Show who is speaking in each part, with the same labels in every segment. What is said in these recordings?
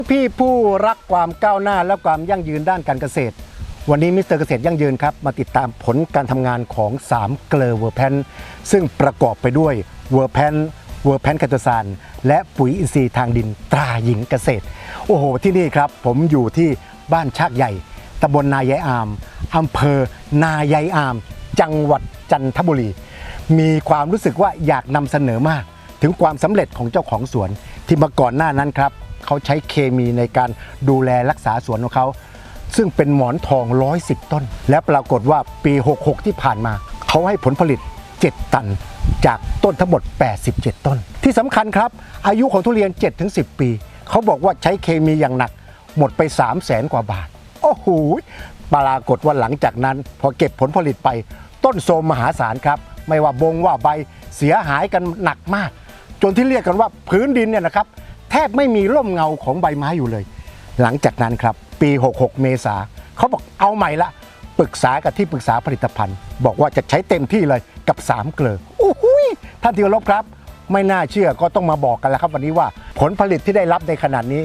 Speaker 1: พี่ผู้รักความก้าวหน้าและความยั่งยืนด้านการเกษตรวันนี้มิสเตอร์เกษตรยั่งยืนครับมาติดตามผลการทำงานของ3เกลอเวอร์แพนซึ่งประกอบไปด้วยเวอร์แพนไคโตซานและปุ๋ยอินทรีย์ทางดินตราหญิงเกษตรโอ้โหที่นี่ครับผมอยู่ที่บ้านชากใหญ่ตำบลนายายอามอำเภอนายายอามจังหวัดจันทบุรีมีความรู้สึกว่าอยากนำเสนอมากถึงความสำเร็จของเจ้าของสวนที่มาก่อนหน้านั้นครับเขาใช้เคมีในการดูแลรักษาสวนของเขาซึ่งเป็นหมอนทอง110ต้นและปรากฏว่าปี66ที่ผ่านมาเขาให้ผลผลิต7ตันจากต้นทั้งหมด87ต้นที่สำคัญครับอายุของทุเรียน 7-10 ปีเขาบอกว่าใช้เคมีอย่างหนักหมดไป300,000 กว่าบาทโอ้โหปรากฏว่าหลังจากนั้นพอเก็บผลผลิตไปต้นโทรมมหาศาลครับไม่ว่าบงว่าใบเสียหายกันหนักมากจนที่เรียกกันว่าพื้นดินเนี่ยนะครับแทบไม่มีร่มเงาของใบไม้อยู่เลยหลังจากนั้นครับปี66เมษาเขาบอกเอาใหม่ละปรึกษากับที่ปรึกษาผลิตภัณฑ์บอกว่าจะใช้เต็มที่เลยกับ3เกลอโอ้โหท่านที่เคารพครับไม่น่าเชื่อก็ต้องมาบอกกันแล้วครับวันนี้ว่าผลผลิตที่ได้รับในขนาดนี้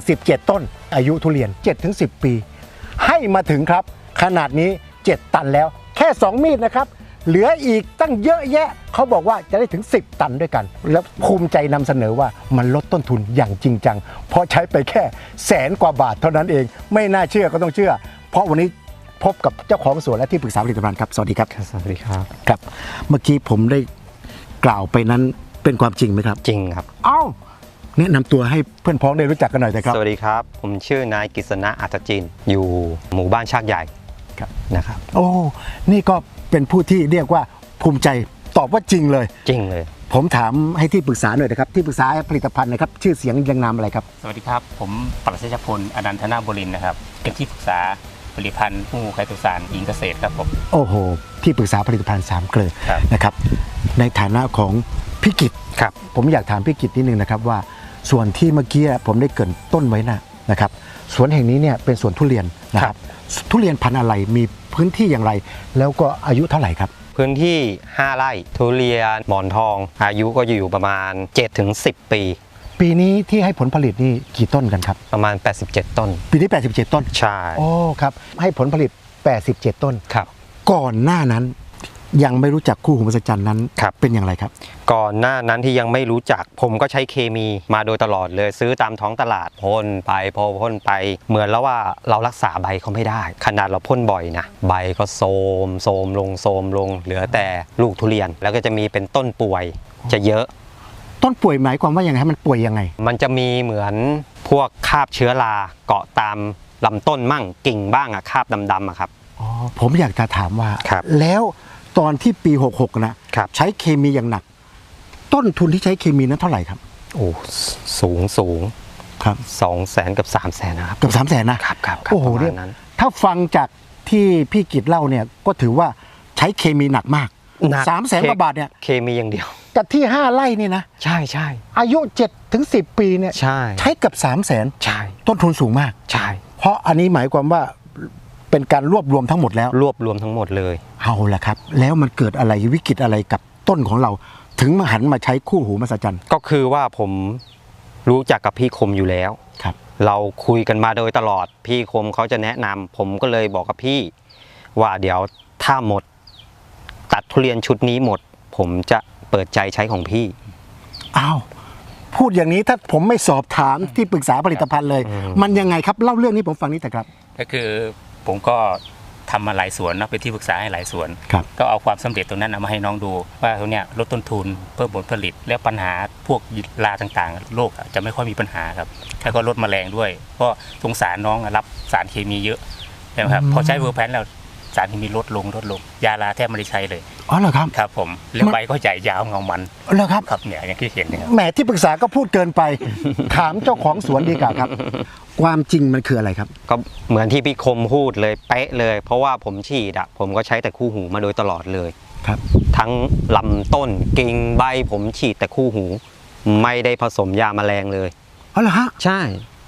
Speaker 1: 87ต้นอายุทุเรียน 7-10 ปีให้มาถึงครับขนาดนี้7ตันแล้วแค่2มีดนะครับเหลืออีกตั้งเยอะแยะเขาบอกว่าจะได้ถึง10ตันด้วยกันแล้วภูมิใจนำเสนอว่ามันลดต้นทุนอย่างจริงจังเพราะใช้ไปแค่100,000 กว่าบาทเท่านั้นเองไม่น่าเชื่อก็ต้องเชื่อเพราะวันนี้พบกับเจ้าของสวนและที่ปรึกษาผลิตภัณฑ์ครับสวัสดีครับ
Speaker 2: สวัสดีครับ
Speaker 1: ครับเมื่อกี้ผมได้กล่าวไปนั้นเป็นความจริงไหมครับ
Speaker 2: จริงครับ
Speaker 1: เอ้าแนะนำตัวให้เพื่อนพ้องได้รู้จักกันหน่อยนะครับ
Speaker 2: สวัสดีครับผมชื่อนายกฤษณะอัจจินอยู่หมู่บ้านชากใหญ่นะครับ
Speaker 1: โอ้นี่ก็เป็นผู้ที่เรียกว่าภูมิใจตอบว่าจริงเลย
Speaker 2: จริงเลย
Speaker 1: ผมถามให้ที่ปรึกษาหน่อยนะครับที่ปรึกษาผลิตภัณฑ์นะครับชื่อเสียงยังนามอะไรครับ
Speaker 3: สวัสดีครับผมปรัชญาพลอนันทนาบุรินทร์นะครับเป็นที่ปรึกษาผลิตภัณฑ์ผู้ไคโตซานหญิงเกษตรครับผม
Speaker 1: โอ้โหที่ปรึกษาผลิตภัณฑ์3เกลอนะครับในฐานะของพี่กิต
Speaker 2: ครับ
Speaker 1: ผมอยากถามพี่กิตนิดนึงนะครับว่าส่วนที่เมื่อกี้ผมได้เกริ่นต้นไว้นะครับสวนแห่งนี้เนี่ยเป็นสวนทุเรียนนะครับทุเรียนพันธุ์อะไรมีพื้นที่อย่างไรแล้วก็อายุเท่าไหร่ครับ
Speaker 2: พื้นที่5ไร่ทุเรียนหมอนทองอายุก็อยู่ประมาณ 7-10 ปี
Speaker 1: ปีนี้ที่ให้ผลผลิตนี่กี่ต้นกันครับ
Speaker 2: ประมาณ87ต้น
Speaker 1: ปีนี้87ต้น
Speaker 2: ใช่
Speaker 1: โอ้ครับให้ผลผลิต87ต้น
Speaker 2: ครับ
Speaker 1: ก่อนหน้านั้นยังไม่รู้จักคู่หูมหัศจรรย์นั้นเป็นอย่างไรครับ
Speaker 2: ก่อนหน้านั้นที่ยังไม่รู้จักผมก็ใช้เคมีมาโดยตลอดเลยซื้อตามท้องตลาดพ่นไปพ่นไปเหมือนแล้วว่าเรารักษาใบเขาไม่ได้ขนาดเราพ่นบ่อยนะใบก็โทรมลงเหลือแต่ลูกทุเรียนแล้วก็จะมีเป็นต้นป่วยจะเยอะ
Speaker 1: ต้นป่วยหมายความว่าอย่างไรมันป่วยยังไง
Speaker 2: มันจะมีเหมือนพวกคราบเชื้อราเกาะตามลำต้นมั่งกิ่งบ้างอะคราบดำๆอะครับ
Speaker 1: อ๋อผมอยากจะถามว่าแล้วตอนที่ปี66นะใช้เคมีอย่างหนักต้นทุนที่ใช้เคมีนั้นเท่าไหร่ครับ
Speaker 2: โอ้สูง
Speaker 1: ครับ
Speaker 2: 200,000 กับ 300,000นะครับ
Speaker 1: กับ300,000นะครับโอ้โหเนี่ยถ้าฟังจากที่พี่กิตเล่าเนี่ยก็ถือว่าใช้เคมีหนักมาก300,000 กว่าบาทเนี่ย
Speaker 2: เคมีอย่างเดียว
Speaker 1: กับที่5ไร่นี่นะ
Speaker 2: ใช่
Speaker 1: อายุ7-10 ปีเนี่ยใช้กับ300,000
Speaker 2: ใช่
Speaker 1: ต้นทุนสูงมาก
Speaker 2: ใช่
Speaker 1: เพราะอันนี้หมายความว่าเป็นการรวบรวมทั้งหมดแล้ว
Speaker 2: รวบรวมทั้งหมดเลย
Speaker 1: เอาละครับแล้วมันเกิดอะไรวิกฤตอะไรกับต้นของเราถึงมาหันมาใช้คู่หูมหัศจรรย์
Speaker 2: ก็คือว่าผมรู้จักกับพี่คมอยู่แล้ว
Speaker 1: ครับ
Speaker 2: เราคุยกันมาโดยตลอดพี่คมเขาจะแนะนำผมก็เลยบอกกับพี่ว่าเดี๋ยวถ้าหมดตัดทุเรียนชุดนี้หมดผมจะเปิดใจใช้ของพี่
Speaker 1: อ้าวพูดอย่างนี้ถ้าผมไม่สอบถามที่ปรึกษาผลิตภัณฑ์เลยมันยังไงครับเล่าเรื่องนี้ผมฟังนิดแต่ครับ
Speaker 3: ก็คือผมก็ทำมาหลายสวนนะเป็นที่ปรึกษาให้หลายสวนก็เอาความสำเร็จตรงนั้นเอามาให้น้องดูว่าตรงเนี้ยลดต้นทุนเพิ่มผลผลิตแล้วปัญหาพวกราต่างๆโรคจะไม่ค่อยมีปัญหาครับแล้วก็ลดแมลงด้วยเพราะสงสารน้องรับสารเคมีเยอะใช่ไหมครับพอใช้เวอร์แพนแล้วสารเคมีลดลงยาลาแทบไม่ได้ใช้เลย
Speaker 1: อ๋อเหรอครับ
Speaker 3: ครับผมแล้วใบก็ใหญ่ยาวเงามัน
Speaker 1: เหรอครับ
Speaker 3: ครับเนี่ยอย่างที่เห็นนะครับ
Speaker 1: แหมที่ปรึกษาก็พูดเกินไปถามเจ้าของสวนดีกว่าครับความจริงมันคืออะไรครับ
Speaker 2: ก็เหมือนที่พี่คมพูดเลยเป๊ะเลยเพราะว่าผมฉีดผมก็ใช้แต่คู่หูมาโดยตลอดเลย
Speaker 1: ครับ
Speaker 2: ทั้งลำต้นกิ่งใบผมฉีดแต่คู่หูไม่ได้ผสมยาแมลงเลย
Speaker 1: อ๋อเหรอฮะ
Speaker 2: ใช่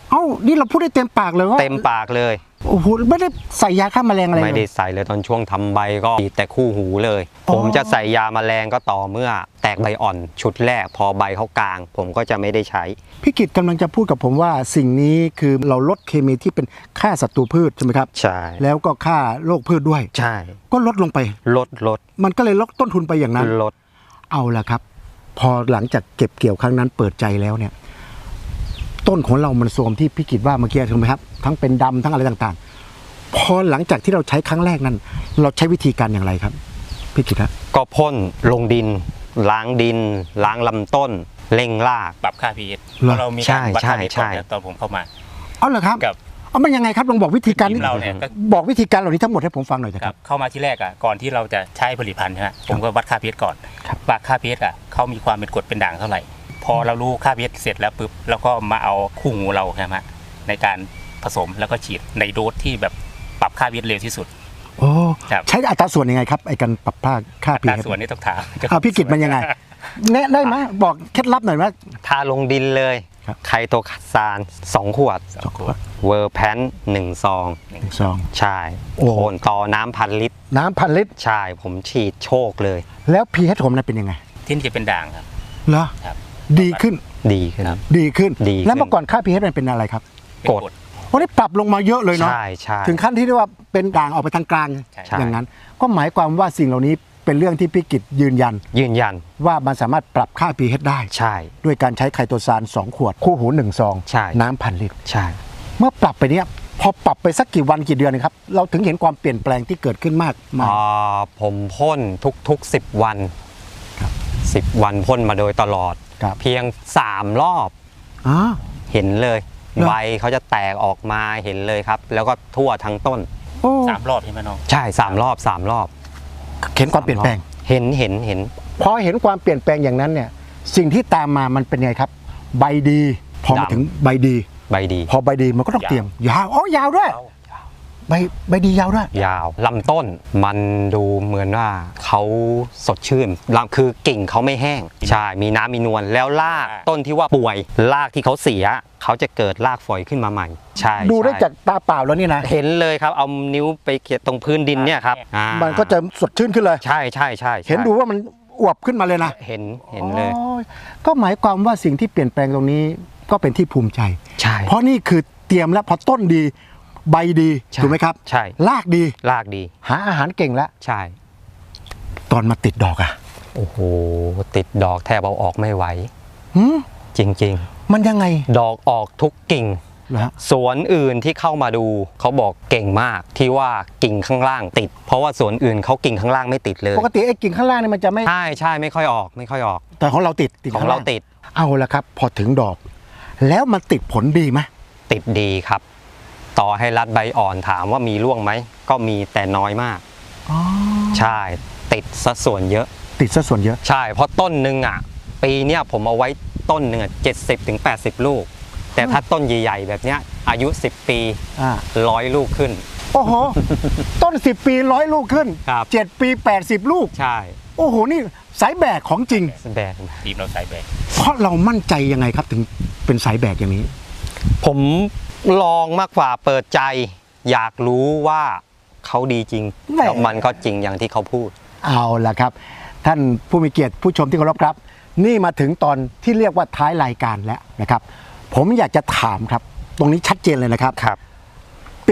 Speaker 1: เอ้านี่เราพูดได้เต็มปากเลยว่า
Speaker 2: เต็มปากเลย
Speaker 1: โอ้โหไม่ได้ใส่ยาฆ่าแมลงอะไร
Speaker 2: ไม่
Speaker 1: เล
Speaker 2: ได้
Speaker 1: ย
Speaker 2: ใส่เลยตอนช่วงทำใบก็ฉีดแต่คู่หูเลย
Speaker 1: อ๋อ
Speaker 2: ผมจะใส่ยาแมลงก็ต่อเมื่อแตกใบอ่อนชุดแรกพอใบเขากลาง ผมก็จะไม่ได้ใช้
Speaker 1: พี่กิตกำลังจะพูดกับผมว่าสิ่งนี้คือเราลดเคมีที่เป็นฆ่าศัตรูพืชใช่ไหมครับ
Speaker 2: ใช่
Speaker 1: แล้วก็ฆ่าโรคพืชด้วย
Speaker 2: ใช่
Speaker 1: ก็ลดลงไป
Speaker 2: ลด
Speaker 1: มันก็เลยลดต้นทุนไปอย่างนั้น
Speaker 2: ลด
Speaker 1: เอาละครับ พอหลังจากเก็บเกี่ยวครั้งนั้นเปิดใจแล้วเนี่ย ต้นของเรามันโทรมที่พี่กิตว่าเมื่อกี้ถูกไหมครับทั้งเป็นดำทั้งอะไรต่างๆ พอหลังจากที่เราใช้ครั้งแรกนั้น เราใช้วิธีการอย่างไรครับพี่กิตครับ
Speaker 2: ก็พ่นลงดิน ล้างดิน ล้างลำต้นเร่งราก
Speaker 3: ปรับค่า pH
Speaker 1: เหรอ
Speaker 3: เพราะเรามีการวัดค่า pH
Speaker 2: ใช่
Speaker 3: ก่อนนะตอนผมเข้ามา
Speaker 1: เอาเหรอครับ
Speaker 3: กับ
Speaker 1: เอามันยังไงครับลองบอกวิธีการ
Speaker 3: ทีมเราเนี่ยก็
Speaker 1: บอกวิธีการเหล่านี้ทั้งหมดให้ผมฟังหน่อยเถอะ
Speaker 3: ค
Speaker 1: ค
Speaker 3: รั
Speaker 1: รั
Speaker 3: บบ เข้ามาที่แรกอ่ะก่อนที่เราจะใช้ผลิตภัณฑ์ใช่ไหมผมก็วัดค่า pH ก่อน
Speaker 1: ครับ
Speaker 3: วัดค่า pH อ่ะเขามีความเป็นกรดเป็นด่างเท่าไหร่ พอเรารู้ค่า pH เสร็จแล้วปุ๊บแล้วก็มาเอาคู่หูเราใช่ไหมในการผสมแล้วก็ฉีดในโดสที่แบบปรับค่า pH เร็วที่สุด
Speaker 1: โอ้
Speaker 3: ครับ
Speaker 1: ใช้อัตราส่วนยังไงครับไอ้การปรับค่า
Speaker 3: อัตรา
Speaker 1: pH
Speaker 3: ส่วนนี้ต้องถาม
Speaker 1: เอาพี่กิตมันยังไงแนะได้ไหมบอกเคล็ดลับหน่อยว่า
Speaker 2: ทาลงดินเลย
Speaker 1: ครับ
Speaker 2: ไคโตซาน2 ขวด
Speaker 3: สองขวด
Speaker 2: เวอร์แพน1 ซอง
Speaker 1: ซอง
Speaker 2: ใช่
Speaker 1: โอ้
Speaker 2: โคนต่อน้ำ1,000 ลิตร
Speaker 1: น้ำพันลิตร
Speaker 2: ใช่ ผมฉีดโชคเลย
Speaker 1: แล้ว pH ผมนั้นเป็นยังไง
Speaker 3: ที่นี่จะเป็นด่างครับ
Speaker 1: เหรอ
Speaker 3: ครับ
Speaker 1: ดีขึ้น
Speaker 2: ดีขึ้น
Speaker 3: ครับ
Speaker 1: ดีขึ้น
Speaker 2: ดีขึ้น
Speaker 1: แล้วเมื่อก่อนค่า pH มันเป็นอะไรครับ
Speaker 3: เป็น
Speaker 2: กด
Speaker 1: โอ้นี่ปรับลงมาเยอะเลยเนาะ
Speaker 2: ใช่ใช่
Speaker 1: ถึงขั้นที่เรียกว่าเป็นด่างออกไปทางกลาง
Speaker 3: ใช่
Speaker 1: อย่างนั้น ก็หมายความว่าสิ่งเหล่านี้เป็นเรื่องที่พี่กิตยืนยัน
Speaker 2: ยืนยัน
Speaker 1: ว่ามันสามารถปรับค่า pH ได้
Speaker 2: ใช่
Speaker 1: ด้วยการใช้ไคโตซาน2 ขวด คู่หู1 ซอง
Speaker 2: ใช่
Speaker 1: น้ำพันลิตร
Speaker 2: ใช่
Speaker 1: เมื่อปรับไปเนี้ยพอปรับไปสักกี่วันกี่เดือนนะครับ เราถึงเห็นความเปลี่ยนแปลงที่เกิดขึ้นมากมาย
Speaker 2: ผมพ่นทุกๆ10 วัน 10 วันพ่นมาโดยตลอด
Speaker 1: ครับ
Speaker 2: เพียง 3 รอบ
Speaker 1: อ๋อ
Speaker 2: เห็นเลย
Speaker 1: เหรอ
Speaker 2: ใบเขาจะแตกออกมาเห็นเลยครับ แล้วก็ทั่วทั้งต้น
Speaker 1: โอ้
Speaker 3: 3 รอบใช่ไหมน้อง
Speaker 2: ใช่3 รอบ 3 รอบ
Speaker 1: เห็นความเปลี่ยนแปลง
Speaker 2: เห็น
Speaker 1: พอเห็นความเปลี่ยนแปลงอย่างนั้นเนี่ยสิ่งที่ตามมามันเป็นไงครับ ใบดี พอมา
Speaker 2: ดำ
Speaker 1: ถึงใบดี
Speaker 2: ใบดี
Speaker 1: พอใบดีมันก็ต้องเตรียมยาวอ๋อยาวด้วยใบดียาวด้วย
Speaker 2: ยาวลำต้นมันดูเหมือนว่าเขาสดชื่นลำคือกิ่งเขาไม่แห้ง ใช่มีน้ำมีนวลแล้วรากต้นที่ว่าป่วยรากที่เขาเสียเขาจะเกิดรากฝอยขึ้นมาใหม่ ใช่
Speaker 1: ดูได้
Speaker 2: ใช่
Speaker 1: จากตาเปล่าแล้วนี่นะ
Speaker 2: เห็นเลยครับเอานิ้วไปเขียตรงพื้นดินเนี่ยครับ
Speaker 1: มันก็จะสดชื่นขึ้นเลย
Speaker 2: ใช่ใช่ใช่
Speaker 1: เห็นดูว่ามันอวบขึ้นมาเลยนะ
Speaker 2: เห็นเลย
Speaker 1: โอ้ยก็หมายความว่าสิ่งที่เปลี่ยนแปลงตรงนี้ก็เป็นที่ภูมิใจ
Speaker 2: ใช่
Speaker 1: เพราะนี่คือเตรียมแล้วพอต้นดีใบดี
Speaker 2: ใช่
Speaker 1: ถูกไหมครับ
Speaker 2: ใช่
Speaker 1: รากดี
Speaker 2: รากดี
Speaker 1: หาอาหารเก่งแล้ว
Speaker 2: ใช่
Speaker 1: ตอนมาติดดอกอะ
Speaker 2: โอ้โหติดดอกแทบเอาออกไม่ไหว
Speaker 1: หืม
Speaker 2: จริง
Speaker 1: มันยังไง
Speaker 2: ๆ ดอกออกทุกกิ่ง
Speaker 1: เหรอฮะ
Speaker 2: สวนอื่นที่เข้ามาดูเขาบอกเก่งมากที่ว่ากิ่งข้างล่างติด เพราะว่าสวนอื่นเขากิ่งข้างล่างไม่ติดเลย
Speaker 1: ปกติไอ้กิ่งข้างล่างนี่มันจะไม่
Speaker 2: ใช่ไม่ค่อยออกไม่ค่อยออก
Speaker 1: แต่ของเราติด
Speaker 2: ของเราติด
Speaker 1: เอาละครับ พอถึงดอก แล้วมันติดผลดีไหม
Speaker 2: ติดดีครับ ต่อให้รัดใบอ่อนถามว่ามีร่วงไหมก็มีแต่น้อยมาก
Speaker 1: อ๋อ
Speaker 2: ใช่ติดซะส่วนเยอะ
Speaker 1: ติดซะส่วนเยอะ
Speaker 2: ใช่เพราะต้นหนึ่งอ่ะปีเนี้ยผมเอาไว้ต้นหนึ่งอ่ะ70-80 ลูก แต่ถ้าต้นใหญ่ๆแบบเนี้ยอายุ 10 ปี
Speaker 1: อ่า
Speaker 2: 100 ลูกขึ้น
Speaker 1: โอ้โห ต้น 10 ปี100 ลูกขึ้น
Speaker 2: ครับ
Speaker 1: 7 ปี 80 ลูก
Speaker 2: ใช่
Speaker 1: โอ้โห นี่สายแบกของจริง
Speaker 2: แบก
Speaker 3: ทีมเราสายแบก
Speaker 1: เพราะเรามั่นใจยังไงครับถึงเป็นสายแบกอย่างนี้
Speaker 2: ผมลองมากกว่าเปิดใจ อยากรู้ว่าเขาดีจริง
Speaker 1: แหม่
Speaker 2: แล้วมันก็จริงอย่างที่เขาพูด
Speaker 1: เอาล่ะครับ ท่านผู้มีเกียรติผู้ชมที่เคารพครับ นี่มาถึงตอนที่เรียกว่าท้ายรายการแล้วนะครับ ผมอยากจะถามครับ ตรงนี้ชัดเจนเลยนะครับ
Speaker 2: ครับ
Speaker 1: ปี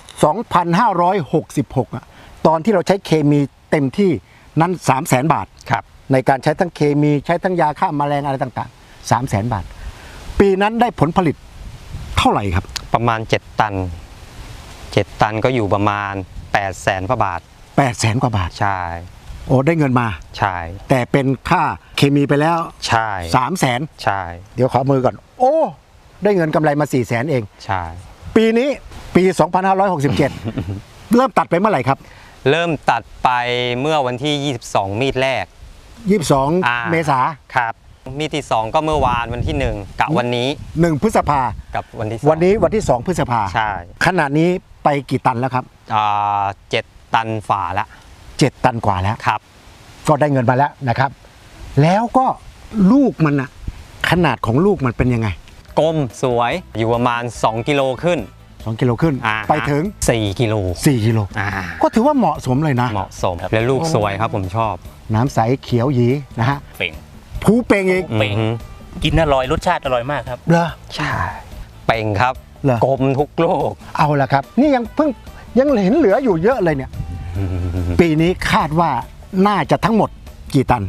Speaker 1: 2566อะตอนที่เราใช้เคมีเต็มที่นั้น 300,000 บาท
Speaker 2: ครับ
Speaker 1: ในการใช้ทั้งเคมีใช้ทั้งยาฆ่าแมลงอะไรต่างๆ 300,000 บาท ปีนั้นได้ผลผลิตเท่าไหร่ครับ
Speaker 2: ประมาณ 7 ตัน 7 ตันก็อยู่ประมาณ 800,000 กว่าบาท
Speaker 1: 800,000 กว่าบาท
Speaker 2: ใช่
Speaker 1: โอ้ได้เงินมา
Speaker 2: ใช่ แต่
Speaker 1: แต่เป็นค่าเคมีไปแล้ว
Speaker 2: ใช่
Speaker 1: 300,000
Speaker 2: ใช่
Speaker 1: เดี๋ยวขอมือก่อน โอ้ ได้เงินกำไรมา 400,000 เอง
Speaker 2: ใช่
Speaker 1: ปีนี้ปี 2567 เริ่มตัดไปเมื่อไหร่ครับ
Speaker 2: เริ่มตัดไปเมื่อวันที่ 22 มีดแรก
Speaker 1: 22 เมษา
Speaker 2: ครับมีดที่ 2 ก็เมื่อวานวันที่ 1 กับวันนี้
Speaker 1: 1 พฤษภา
Speaker 2: กับวันที่
Speaker 1: วันนี้วันที่ 2 พฤษภา
Speaker 2: ใช่
Speaker 1: ขณะนี้ไปกี่ตันแล้วครับ
Speaker 2: 7 ตันฝ่าละ
Speaker 1: 7 ตันกว่าแล้ว
Speaker 2: ครับ
Speaker 1: ก็ได้เงินมาแล้วนะครับ แล้วก็ลูกมันอะขนาดของลูกมันเป็นยังไง
Speaker 2: กลมสวยอยู่ประมาณ2กิโลขึ้น
Speaker 1: 2 กิโลขึ้น ไปถึง
Speaker 2: 4กิโล
Speaker 1: 4 กิโลก็ถือว่าเหมาะสมเลยนะ
Speaker 2: เหมาะสมและลูกสวยครับผมชอบ
Speaker 1: น้ำใสเขียวหยีนะฮะ
Speaker 3: เป่ง
Speaker 1: ผูเป่งอีก
Speaker 3: เป่งกินอร่อยรสชาติอร่อยมากครับ
Speaker 1: เหรอ
Speaker 2: ใช่เป่งครับ
Speaker 1: เหรอก
Speaker 2: ลมทุกลูก
Speaker 1: เอาละครับ นี่ยังเห็นเหลืออยู่เยอะเลยเนี่ย ปีนี้คาดว่าน่าจะทั้งหมดกี่ตัน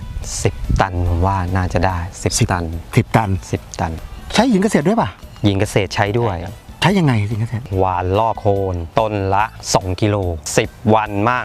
Speaker 2: 10 ตันผมว่าน่าจะได้ 10 ตัน
Speaker 1: 10 ตัน
Speaker 2: 10 ตัน
Speaker 1: ใช้หญิงเกษตรด้วยป่ะ
Speaker 2: หญิงเกษตรใช้ด้วย
Speaker 1: ใช้ยังไงหญิงเกษตร
Speaker 2: หวานล่อโคนต้นละ 2 กิโล 10 วันมั่ง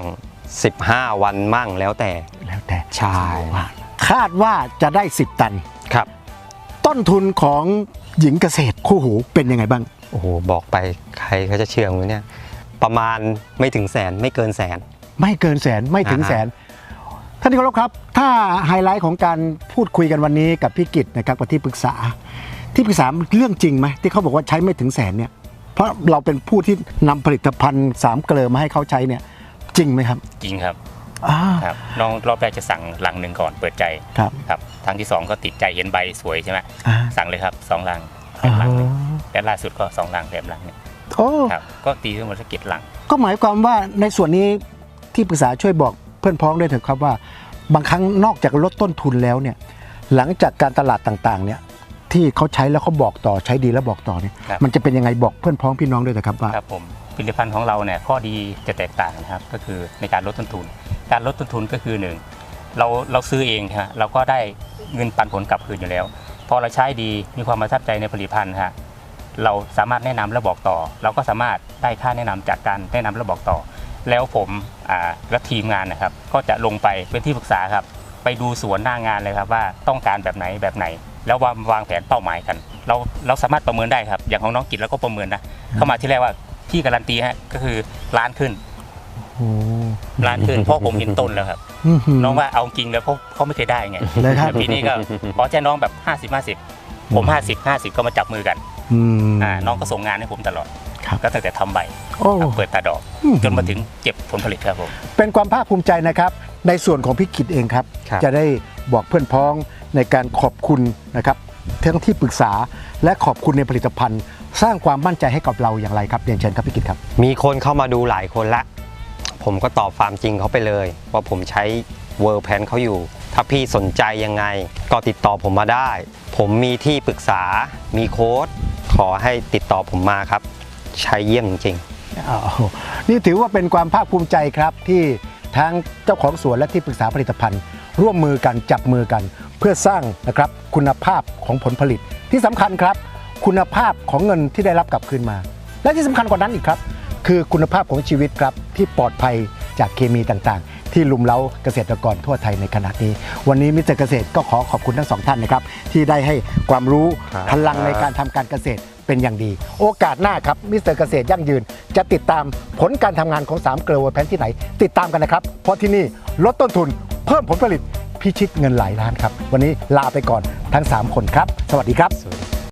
Speaker 2: 15 วันมั่งแล้วแต่
Speaker 1: แล้วแต่
Speaker 2: ใช่
Speaker 1: คาดว่าจะได้ 10 ตัน
Speaker 2: ครับ
Speaker 1: ต้นทุนของหญิงเกษตรคู่หูเป็นยังไงบ้าง
Speaker 2: โอ้โหบอกไปใครเขาจะเชื่อมั้ยเนี่ยประมาณไม่ถึงแสนไม่เกินแสน
Speaker 1: ไม่เกินแสนไม่ถึงแสนท่านที่เคารพครับ ถ้าไฮไลท์ของการพูดคุยกันวันนี้กับพี่กิตนะครับกับที่ปรึกษาเรื่องจริงไหมที่เขาบอกว่าใช้ไม่ถึงแสนเนี่ยเพราะเราเป็นผู้ที่นำผลิตภัณฑ์3เกลอมาให้เขาใช้เนี่ยจริงไหมครับ
Speaker 3: จริงครับ
Speaker 1: อ่า
Speaker 3: ครับน้องรอบแรกจะสั่งลังหนึ่งก่อนเปิดใจ
Speaker 1: ครับ
Speaker 3: ครับทางที่ 2 ก็ติดใจเห็นใบสวยใช่ไหม
Speaker 1: อ่า
Speaker 3: สั่งเลยครับ2 ลังแถมลังหนึงและล่าสุดก็2 ลังแถมลังหนึง
Speaker 1: โอ้
Speaker 3: ครับก็ตีทั้งหมดสัก7 ลัง
Speaker 1: ก็หมายความว่าในส่วนนี้ที่ปรึกษาช่วยบอกเพื่อนพ้องด้วยเถอะครับว่าบางครั้งนอกจากลดต้นทุนแล้วเนี่ยหลังจากการตลาดต่างๆเนี่ยที่เขาใช้แล้วเขาบอกต่อใช้ดีแล้วบอกต่อเนี่ย
Speaker 3: ครับ
Speaker 1: มันจะเป็นยังไงบอกเพื่อนพ้องพี่น้องด้วยนะครับว่า
Speaker 3: ครับผมผลิตภัณฑ์ของเราเนี่ยข้อดีจะแตกต่างนะครับก็คือในการลดต้นทุน การลดต้นทุนก็คือ1เราซื้อเองฮะเราก็ได้เงินปันผลกลับคืนอยู่แล้ว พอเราใช้ดีมีความประทับใจในผลิตภัณฑ์ฮะเราสามารถแนะนำและบอกต่อ เราก็สามารถได้ค่าแนะนำจากการแนะนำและบอกต่อ แล้วผมและทีมงานนะครับก็จะลงไปเป็นที่ปรึกษาครับไปดูสวนหน้างานเลยครับว่าต้องการแบบไหนแบบไหน แล้ววางแผนเป้าหมายกัน เราสามารถประเมินได้ครับอย่างของน้องกิจเราก็ประเมินนะเข้ามาที่แรกว่าที่การันตีฮะก็คือล้านขึ้น
Speaker 1: โอ้
Speaker 3: ล้านขึ้นเพราะผมเห็นต้นแล้วครับ น้องว่าเอาจริงแล้วเขาไม่เคยได้ไง
Speaker 1: เลยครับ
Speaker 3: ปีนี้ก็ขอแจ้น้องแบบ50-50ผม50-50ก็มาจับมือกัน
Speaker 1: อืม
Speaker 3: น้องก็ส่งงานให้ผมตลอด
Speaker 1: ครับ
Speaker 3: ก็ตั้งแต่ทำใบ
Speaker 1: โอ้
Speaker 3: เปิดตาดอก จนมาถึงเก็บผลผลิตครับผม
Speaker 1: เป็นความภาคภูมิใจนะครับในส่วนของพี่กิตเองครับ
Speaker 2: ครับ
Speaker 1: จะได้บอกเพื่อนพ้องในการขอบคุณนะครับทั้งที่ปรึกษาและขอบคุณในผลิตภัณฑ์ สร้างความมั่นใจให้กับเราอย่างไรครับเรียนเชิญครับพี่กิตครับ
Speaker 2: มีคนเข้ามาดูหลายคนละ ผมก็ตอบความจริงเขาไปเลยว่าผมใช้เวิร์แพนเขาอยู่ ถ้าพี่สนใจยังไงก็ติดต่อผมมาได้ ผมมีที่ปรึกษา มีโค้ดขอให้ติดต่อผมมาครับ ใช้เยี่ยมจริง
Speaker 1: นี่ถือว่าเป็นความภาคภูมิใจครับที่ทั้งเจ้าของสวนและที่ปรึกษาผลิตภัณฑ์ ร่วมมือกันจับมือกัน เพื่อสร้างนะครับคุณภาพของผลผลิตที่สำคัญครับ คุณภาพของเงินที่ได้รับกลับคืนมา และที่สำคัญกว่านั้นอีกครับ คือคุณภาพของชีวิตครับที่ปลอดภัยจากเคมีต่างๆ ที่ลุมเล้าเกษตรกรทั่วไทยในขณะนี้ วันนี้มิสเตอร์เกษตรก็ขอขอบคุณทั้งสองท่านนะครับที่ได้ให้ความรู้
Speaker 2: ครับ
Speaker 1: พลังในการทำการเกษตรเป็นอย่างดี โอกาสหน้าครับมิสเตอร์เกษตรยั่งยืน จะติดตามผลการทำงานของ3เกลือเวอร์แพนที่ไหน ติดตามกันนะครับ เพราะที่นี่ลดต้นทุนเพิ่มผลผลิตพิชิตเงินหลายล้านครับวันนี้ลาไปก่อนทั้ง3คนครับสวัสดีครับ
Speaker 2: ๆสวัสดี